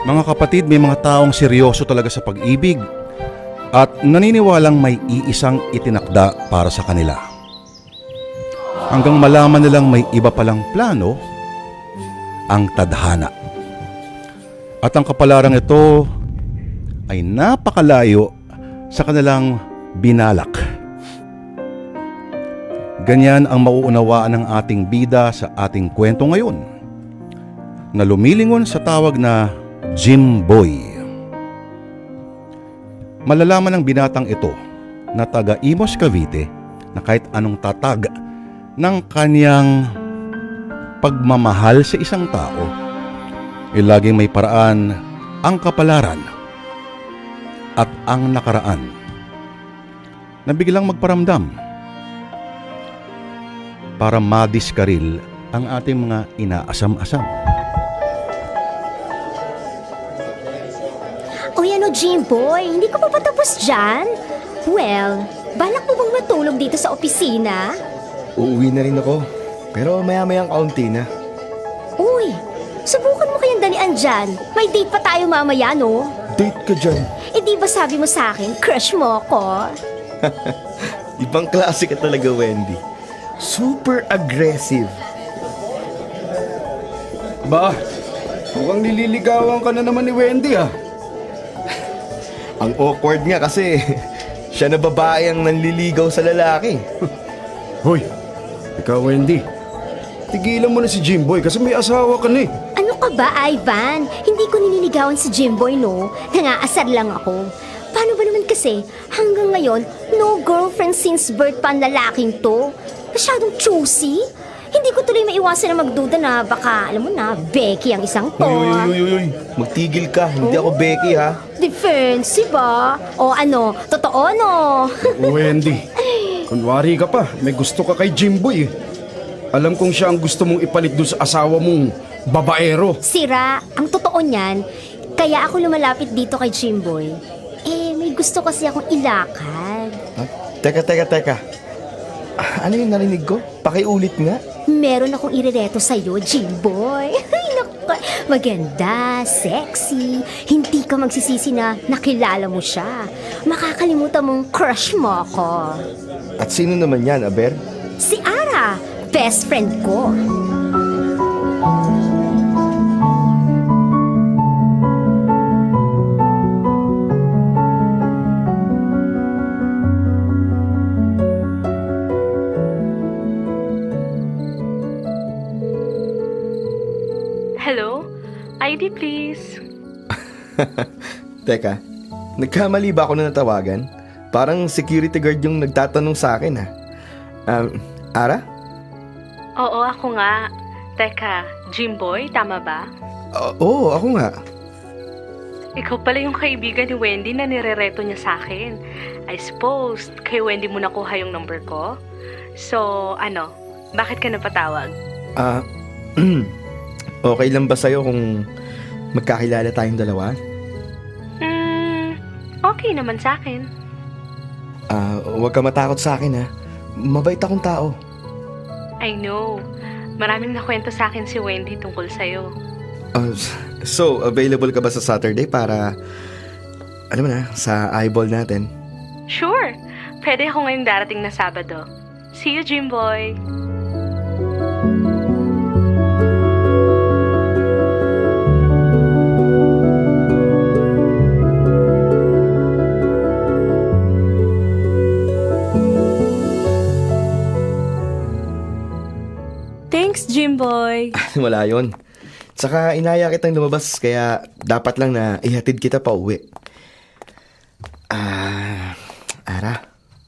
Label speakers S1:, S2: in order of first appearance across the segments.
S1: Mga kapatid, may mga taong seryoso talaga sa pag-ibig at naniniwalang may iisang itinakda para sa kanila. Hanggang malaman nilang may iba palang plano ang tadhana. At ang kapalarang ito ay napakalayo sa kanilang binalak. Ganyan ang mauunawaan ng ating bida sa ating kwento ngayon, na lumilingon sa tawag na Jimboy. Malalaman ng binatang ito na taga Imos, Cavite, na kahit anong tatag ng kanyang pagmamahal sa isang tao, laging may paraan ang kapalaran at ang nakaraan na biglang magparamdam para madiskaril ang ating mga inaasam-asam.
S2: O yan o, Jimboy, hindi ko pa patapos dyan. Well, balak mo bang matulog dito sa opisina?
S3: Uuwi na rin ako. Pero maya-mayang kaunti na.
S2: Uy, subukan mo kayang dalian dyan. May date pa tayo mamaya, no?
S3: Date ka dyan.
S2: Eh di ba sabi mo sa akin, crush mo ako?
S3: Ibang klase ka talaga, Wendy. Super aggressive.
S4: Ba, mukhang nililigawan ka na naman ni Wendy ah.
S3: Ang awkward nga kasi siya na babae ang nanliligaw sa lalaki.
S4: Hoy, ikaw Wendy, tigilan mo na si Jimboy kasi may asawa ka na eh.
S2: Ano ka ba, Ivan? Hindi ko niniligawan si Jimboy, no? Nangaasar lang ako. Paano ba naman kasi, hanggang ngayon, no girlfriend since birth pa ang lalaking to? Masyadong choosy. Hindi ko tuloy maiwasan na magduda na baka, alam mo na, Becky ang isang to.
S3: Uy. Magtigil ka, hindi ako Becky ha.
S2: Defensive ba? O ano, totoo no?
S4: Wendy, kunwari ka pa, may gusto ka kay Jimboy eh. Alam kong siya ang gusto mong ipalit doon sa asawa mong babaero.
S2: Sira, ang totoo niyan, kaya ako lumalapit dito kay Jimboy. Eh, may gusto kasi akong ilakad.
S3: Ha? Teka. Ano yung narinig ko? Pakiulit nga.
S2: Meron akong irereto sa'yo, Jimboy. Ay, naku, maganda, sexy. Hindi ka magsisisi na nakilala mo siya. Makakalimutan mong crush mo ako.
S3: At sino naman yan, Aber?
S2: Si Ara, best friend ko.
S5: Hello? ID please.
S3: Teka, nagkamali ba ako na natawagan? Parang security guard yung nagtatanong sa akin ha. Ara?
S5: Oo, ako nga. Teka, Jimboy, tama ba?
S3: Oo, ako nga.
S5: Ikaw pala yung kaibigan ni Wendy na nirereto niya sa akin. I suppose, kay Wendy mo nakuha yung number ko? So, ano? Bakit ka napatawag?
S3: Okay lang ba sa'yo kung magkakilala tayong dalawa?
S5: Okay naman sa akin.
S3: Huwag ka matakot sa akin ha. Mabait akong tao.
S5: I know. Maraming nakwento sa akin si Wendy tungkol sa'yo.
S3: So, available ka ba sa Saturday para, alam mo na, sa eyeball natin?
S5: Sure! Pwede ako ngayong darating na Sabado. See you, Jimboy! Thanks, Jimboy!
S3: Wala yon. Saka inaya kitang lumabas kaya dapat lang na ihatid kita pa uwi. Ara.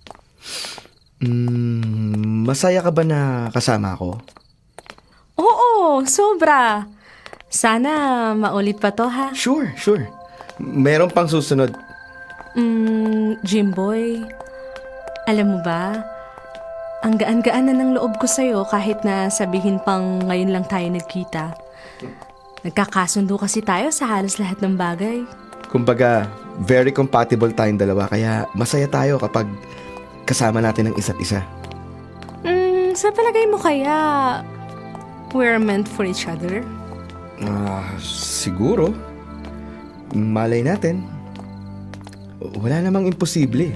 S3: Masaya ka ba na kasama ako?
S5: Oo, sobra! Sana maulit pa to, ha?
S3: Sure. Meron pang susunod.
S5: Jimboy, alam mo ba, ang gaan-gaan na ng loob ko sa'yo kahit na sabihin pang ngayon lang tayo nagkita. Nagkakasundo kasi tayo sa halos lahat ng bagay.
S3: Kumbaga, very compatible tayong dalawa kaya masaya tayo kapag kasama natin ang isa't isa.
S5: Sa palagay mo kaya, we're meant for each other?
S3: Siguro. Malay natin. Wala namang imposible.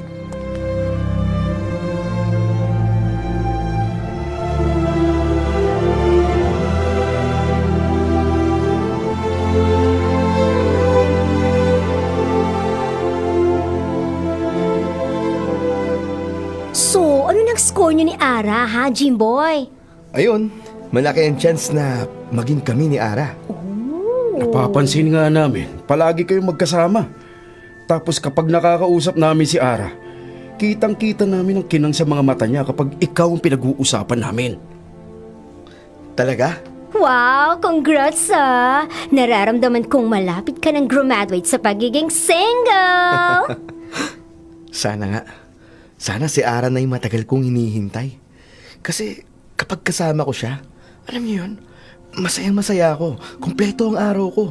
S2: So, ano nang score niyo ni Ara, ha, Jimboy?
S3: Ayun, malaki ang chance na maging kami ni Ara.
S4: Napapansin nga namin, palagi kayong magkasama. Tapos kapag nakakausap namin si Ara, kitang-kita namin ang kinang sa mga mata niya kapag ikaw ang pinag-uusapan namin.
S3: Talaga?
S2: Wow, congrats ah! Nararamdaman kong malapit ka ng graduate sa pagiging single!
S3: Sana nga. Sana si Ara na yung matagal kong hinihintay. Kasi kapag kasama ko siya, alam niyo yun, masayang-masaya ako. Kumpleto ang araw ko.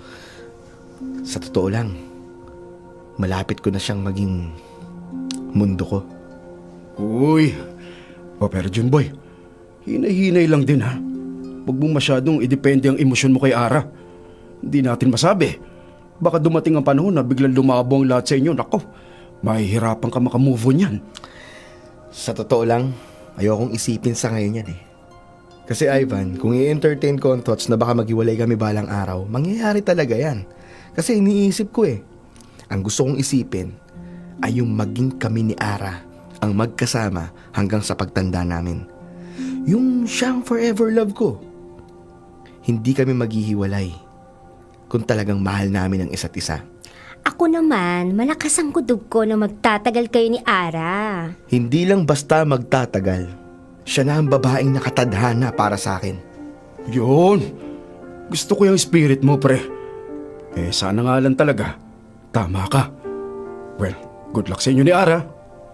S3: Sa totoo lang, malapit ko na siyang maging mundo ko.
S4: Uy, pero Jimboy, hinay-hinay lang din ha. Huwag mong masyadong idepende ang emosyon mo kay Ara. Hindi natin masabi. Baka dumating ang panahon na biglang lumabo ang lahat sa inyo. Nako, mahihirapan ka makamove on yan.
S3: Sa totoo lang, ayokong isipin sa ngayon yan eh. Kasi Ivan, kung i-entertain ko ang thoughts na baka maghiwalay kami balang araw, mangyayari talaga yan. Kasi iniisip ko eh. Ang gusto kong isipin ay yung maging kami ni Ara ang magkasama hanggang sa pagtanda namin. Yung siyang forever love ko. Hindi kami maghihiwalay kung talagang mahal namin ang isa't isa.
S2: Ako naman, malakas ang kutob ko na magtatagal kayo ni Ara.
S3: Hindi lang basta magtatagal. Siya na ang babaeng nakatadhana para sa akin.
S4: Yun. Gusto ko yung spirit mo, pre. Sana nga lang talaga. Tama ka. Well, good luck sa inyo ni Ara.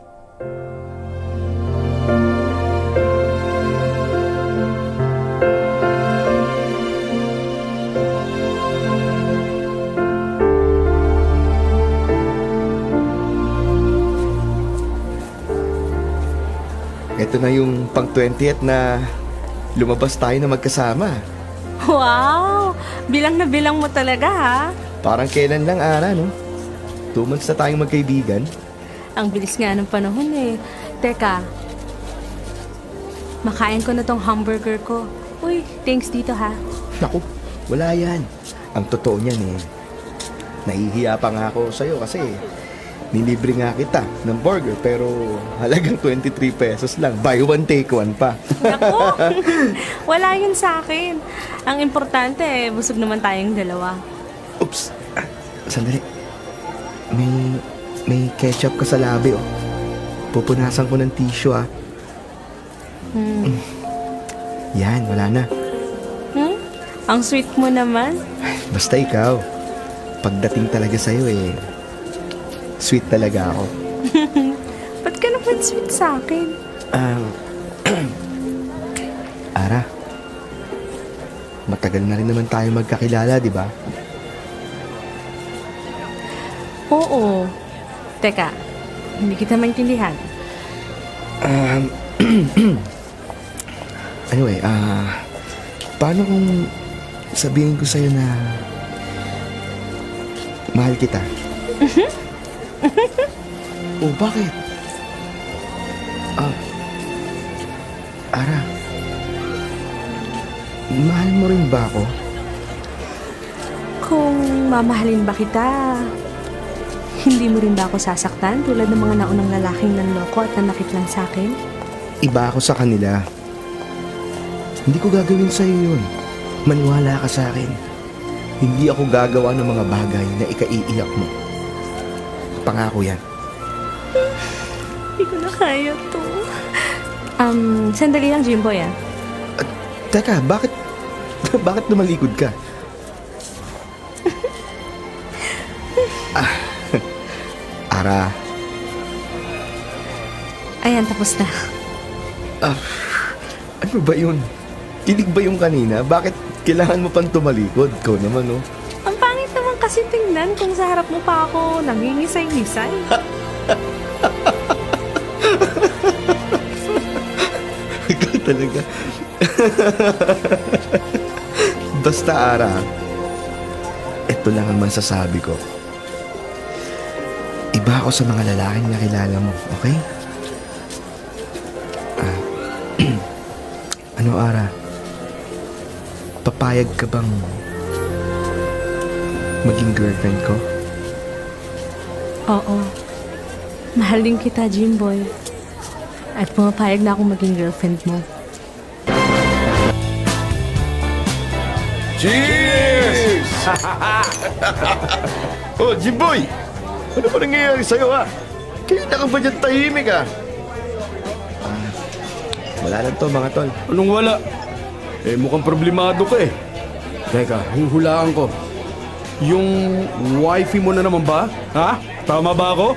S3: Ito na yung pang 20th na lumabas tayo na magkasama.
S5: Wow! Bilang na bilang mo talaga ha.
S3: Parang kailan lang, Ara, no? 2 months na tayong magkaibigan.
S5: Ang bilis nga ng panahon eh. Teka, makain ko na tong hamburger ko. Uy, thanks dito ha.
S3: Naku, wala yan. Ang totoo niyan eh. Nahihiya pa nga ako sa'yo kasi nilibre nga kita ng burger pero halagang 23 pesos lang. Buy one, take one pa.
S5: Naku, wala yun sa akin. Ang importante eh, busog naman tayong dalawa.
S3: Oops. Sandali. May ketchup ka sa labi, oh. Pupunasan ko ng tissue, ah. Yan, wala na.
S5: Ang sweet mo naman.
S3: Basta ikaw. Pagdating talaga sa'yo, eh, sweet talaga ako.
S5: Ba't ka naman sweet sa akin?
S3: Ara, matagal na rin naman tayo magkakilala, di ba?
S5: Oo. Teka, hindi kita maintindihan.
S3: Anyway, paano kung sabihin ko sa'yo na mahal kita? Oh, bakit? Ara, mahal mo rin ba ako?
S5: Kung mamahalin ba kita, hindi mo rin ba ako sasaktan tulad ng mga naunang lalaking nanloko at nanakit lang sa akin?
S3: Iba ako sa kanila. Hindi ko gagawin sa'yo yun. Maniwala ka sa akin. Hindi ako gagawa ng mga bagay na ikaiiyak mo. Pangako yan.
S5: Hindi ko na kaya to. Sandali lang, Jimboy ah.
S3: Teka, bakit lumalikod ka? Ara,
S5: Ayan, tapos na.
S3: ano ba yun? Kilig ba yung kanina? Bakit kailangan mo pang tumalikod? Ikaw naman, oh.
S5: Ang pangit naman kasi tingnan kung sa harap mo pa ako nangingisay-ngisay.
S3: Ikaw talaga. Basta, Ara, ito lang ang masasabi ko. Iba ako sa mga lalaking nakilala mo, okay? Ano, Ara? Papayag ka bang maging girlfriend ko?
S5: Oo. Mahal din kita, Jimboy. At pumapayag na akong maging girlfriend mo.
S6: Cheers! Oh, Jimboy! Ano ba nangyayari sa'yo, ha? Kaya ka ba dyan tahimik, ha?
S3: Wala lang to, mga tol.
S4: Anong wala? Eh, mukhang problemado ka eh. Teka, huhulaan ko. Yung wifey mo na naman ba? Ha? Tama ba ako?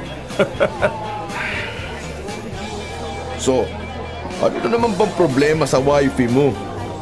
S6: So, ano na naman bang problema sa wifey mo?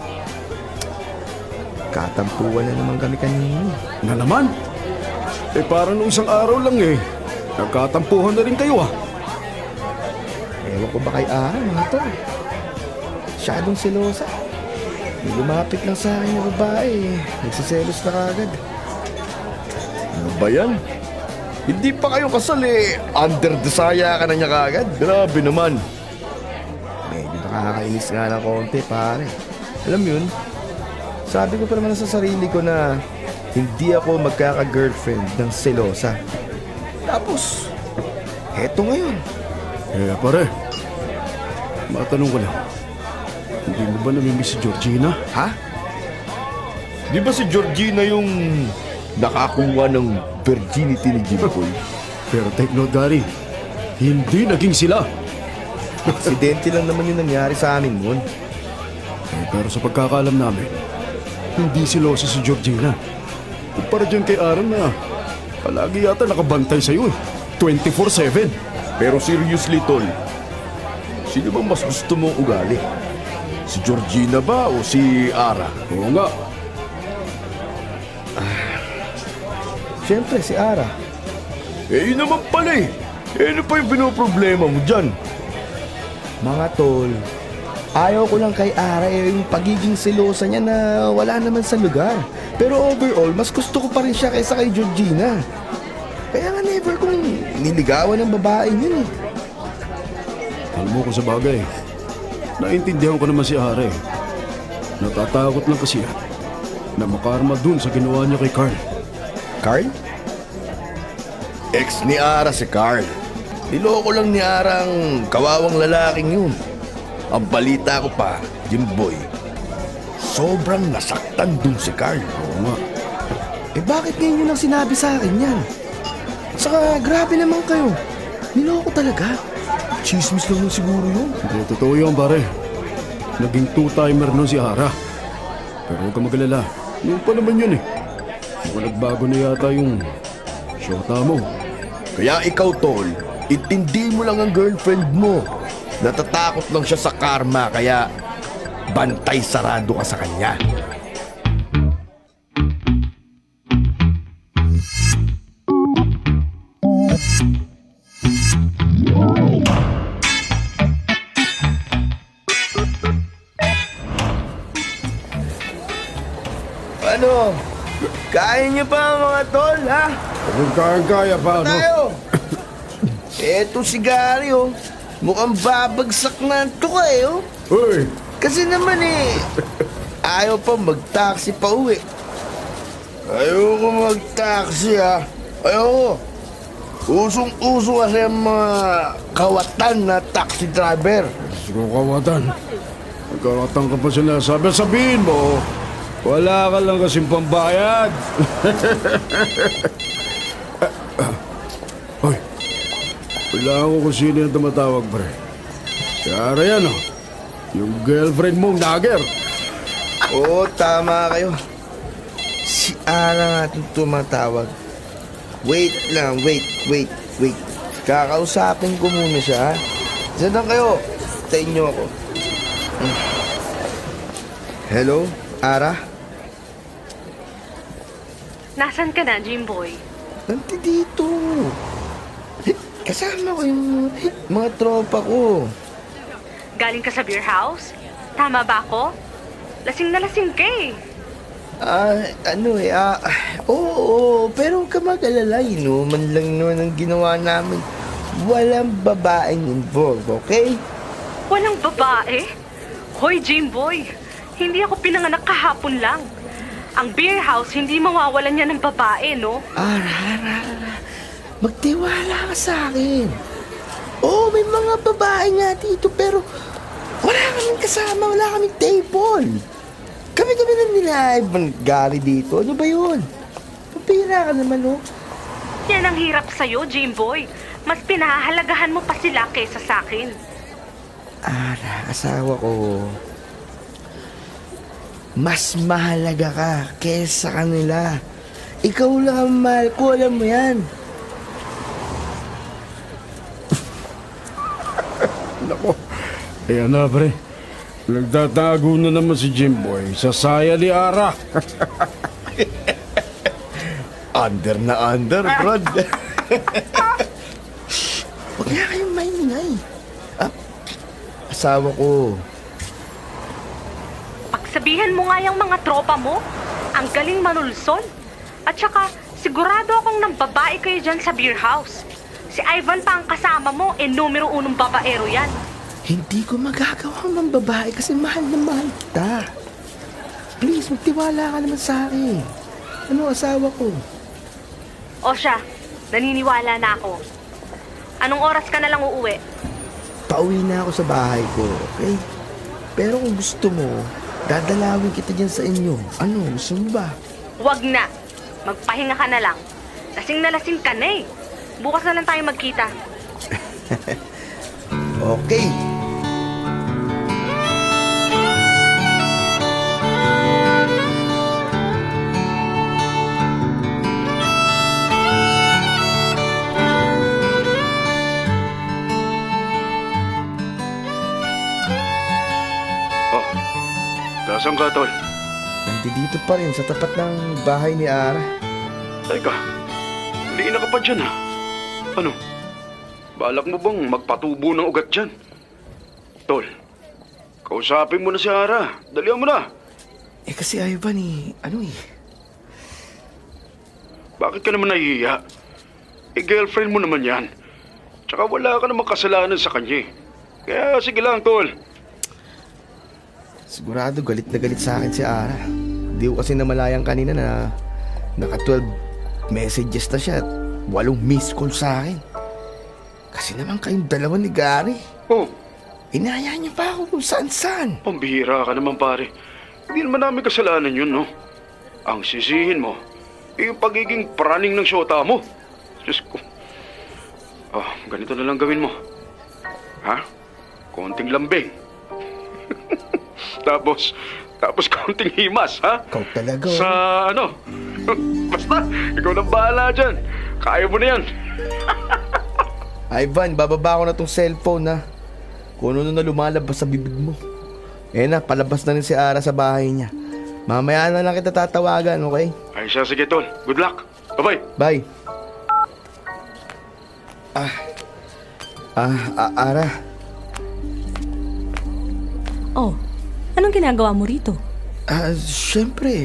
S3: Katampuan na naman kami kanina.
S4: Na naman? Eh, parang nung isang araw lang eh. Nagkatampuhan na rin kayo ah.
S3: Ewan ko ba kay Ara, mga tol? Masyadong selosa. May lumapit lang sa akin yung babae. Nagsiselos na kagad.
S6: Ano ba yan? Hindi pa kayo kasal eh. Under desire ka na niya kagad. Grabe naman.
S3: Medyo nakakainis nga ng konti, pare. Alam yun, sabi ko pa naman sa sarili ko na hindi ako magkaka-girlfriend ng selosa. Tapos, heto ngayon.
S4: Eh, pare. Matanong ko lang. Hindi mo ba namimiss si Georgina?
S3: Ha?
S6: Di ba si Georgina yung nakakuha ng virginity ni Jimboy?
S4: Pero take note, Gary. Hindi naging sila.
S3: Aksidente lang naman yung nangyari sa amin noon.
S4: Eh, pero sa pagkakaalam namin, hindi siloso si Georgina. Kumpara dyan kay Aaron na palagi yata nakabantay sa'yo eh. 24/7.
S6: Pero seriously, tol, sino bang mas gusto mong ugali? Si Georgina ba o si Ara?
S4: Oo nga.
S3: Siyempre, si Ara.
S6: Eh, yun naman pala eh. Eh, ano pa yung pinoproblema mo dyan?
S3: Mga tol, ayaw ko lang kay Ara yung pagiging selosa niya na wala naman sa lugar. Pero overall, mas gusto ko pa rin siya kaysa kay Georgina. Kaya nga never kong niligawan ng babae yun eh.
S4: Alam mo ko sa bagay. Naintindihan ko naman si Are. Natatakot lang kasi yan na makarma dun sa ginawa niya kay Carl.
S3: Carl?
S6: Ex ni Ara si Carl. Niloko lang ni Ara ang kawawang lalaking yun. Ang balita ko pa, Jimboy, sobrang nasaktan dun si Carl.
S4: Oo nga.
S3: Eh bakit ngayon yun ang sinabi sa akin yan? Saka grabe naman kayo. Niloko talaga. Chismis lang yun siguro yun.
S4: Hindi, totoo yun, pare. Naging two-timer nun si Ara. Pero huwag ka magalala. Noon pa naman yun eh. Mukhang nagbago na yata yung shota mo.
S6: Kaya ikaw, tol, intindi mo lang ang girlfriend mo. Natatakot lang siya sa karma, kaya bantay sarado ka sa kanya.
S3: Ano? Kaya niyo pa mga tol, ha?
S4: Kung kaya pa, ano?
S3: Tayo! Eto si Gary, oh. Mukhang babagsak na ito ka, eh, oh.
S4: Uy!
S3: Kasi naman, eh, ayaw pa mag-taxi pa uwi.
S6: Ayoko mag-taxi, ha? Ayoko. Usong-uso kasi ang mga kawatan na taxi driver.
S4: Siguro kawatan. Nagkakatang ka pa sinasabi. Sabihin mo, wala ka lang kasing pambayad. Hoy, wala ko kung sino yung tumatawag, pre. Kaya yan, oh. Yung girlfriend mong nagger.
S3: Oo, tama kayo. Si Ara nga itong tumatawag. Wait lang, wait. Kakausapin ko muna siya, ha? Diyan lang kayo. Tayin niyo ako. Hello, Ara?
S5: Nasaan ka na, Jimboy?
S3: Nandito. Kasama ko yung mga tropa ko.
S5: Galing ka sa beer house? Tama ba ako? Lasing na lasing ka eh.
S3: Oo, pero huwag ka mag-alala, man lang naman ang ginawa namin. Walang babaeng involved, okay?
S5: Walang babae? Hoy, Jimboy, hindi ako pinanganak kahapon lang. Ang beer house, hindi mawawalan niya ng babae, no?
S3: Ara. Magtiwala ka sa akin. Oo, may mga babae nga dito, pero wala kaming kasama, wala kaming table. Kami lang nila Ivan Gary dito. Ano ba yun? Papira ka naman, oh.
S5: Yan ang hirap sa'yo, Jimboy. Mas pinahahalagahan mo pa sila kesa sa akin.
S3: Ara, asawa ko. Mas mahalaga ka kesa kanila. Ikaw lang ang mahal ko, alam mo yan.
S4: Nako, ayan na pre. Nagtatago na naman si Jimboy sa saya ni Ara.
S3: Under na under, Brad. Huwag na kayong maingay. Asawa ko.
S5: Pagsabihan mo nga yung mga tropa mo, ang galing manulsol. At saka, sigurado akong nang babae kayo dyan sa beer house. Si Ivan pa ang kasama mo, numero 1 babaero yan.
S3: Hindi ko magagawa ng babae kasi mahal na mahal kita. Please, magtiwala ka naman sa akin. Ano, asawa ko?
S5: O siya, naniniwala na ako. Anong oras ka na lang uuwi?
S3: Pauwi na ako sa bahay ko, okay? Pero kung gusto mo, dadalawin kita dyan sa inyo. Ano, gusto mo ba?
S5: Wag na. Magpahinga ka na lang. Lasing na lasing ka na eh. Bukas na lang tayo magkita.
S3: Okay.
S4: Oh, nasaan ka, tol?
S3: Nandito pa rin sa tapat ng bahay ni Ara.
S4: Teka, hindi na ka pa dyan ha? Ano? Balak mo bang magpatubo ng ugat dyan? Tol, kausapin mo na si Ara. Dalihan mo na.
S3: Kasi Ivan
S4: Bakit ka naman nahihiya? Girlfriend mo naman yan. Tsaka wala ka namang kasalanan sa kanya. Kaya sige lang, tol.
S3: Sigurado galit na galit sa akin si Ara. Hindi ko kasi namalayang kanina na naka 12 messages na siya at 8 missed call sa akin. Kasi naman kayong dalawa ni Gary.
S4: Oh,
S3: Inaya niya pa ako kung saan-saan.
S4: pambihira ka naman, pare. Hindi naman namin kasalanan yun, no? Ang sisihin mo, yung pagiging praning ng syota mo. Diyos ko. Oh, ganito na lang gawin mo. Ha? Konting lambing. Tapos konting himas, ha?
S3: Ikaw talaga.
S4: Sa ano? Basta, ikaw nang bahala dyan. Kaya mo na yan.
S3: Ivan, bababa ko na tong cellphone na. Kung ano na lumalabas sa bibig mo. Na, palabas na rin si Ara sa bahay niya. Mamaya na lang kita tatawagan, okay?
S4: Ay siya, sige tol. Good luck. Bye-bye.
S3: Bye. Ara.
S5: Oh, anong ginagawa mo rito?
S3: Siyempre,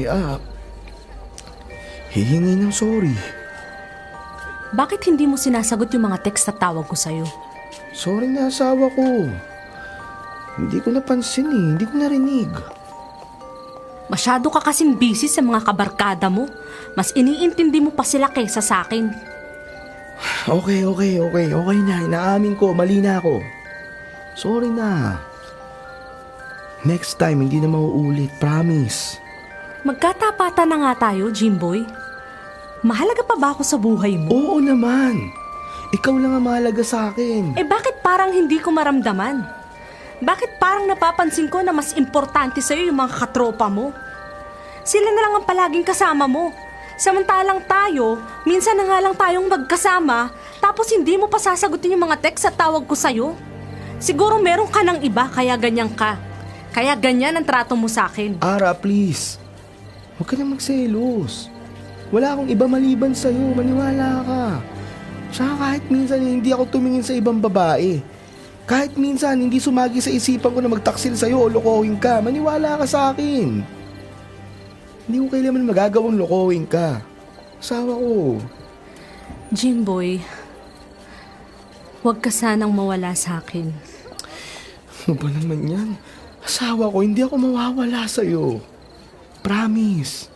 S3: hihingi ng sorry.
S5: Bakit hindi mo sinasagot yung mga text at tawag ko sa'yo?
S3: Sorry na asawa ko. Hindi ko napansin hindi ko narinig.
S5: Masyado ka kasing busy sa mga kabarkada mo. Mas iniintindi mo pa sila kaysa sa akin.
S3: Okay na. Inaamin ko, mali na ako. Sorry na. Next time, hindi na mauulit, promise.
S5: Magkatapatan na nga tayo, Jimboy. Mahalaga pa ba ako sa buhay mo?
S3: Oo naman. Ikaw lang ang mahalaga sa akin.
S5: Bakit parang hindi ko maramdaman? Bakit parang napapansin ko na mas importante sa'yo yung mga katropa mo? Sila na lang ang palaging kasama mo. Samantalang tayo, minsan na nga lang tayong magkasama, tapos hindi mo pa sasagutin yung mga text at tawag ko sa'yo. Siguro meron ka ng iba, kaya ganyan ka. Kaya ganyan ang trato mo sa akin.
S3: Ara, please. Huwag ka na magselos. Wala akong iba maliban sa'yo. Maniwala ka. Tsaka kahit minsan hindi ako tumingin sa ibang babae. Kahit minsan hindi sumagi sa isipan ko na magtaksil sa'yo o lokohin ka. Maniwala ka sa akin. Hindi ko kailanman magagawang lokohin ka. Asawa ko.
S5: Jimboy, huwag ka sanang mawala sa akin.
S3: Ano ba naman yan? Asawa ko, hindi ako mawawala sa'yo. Promise.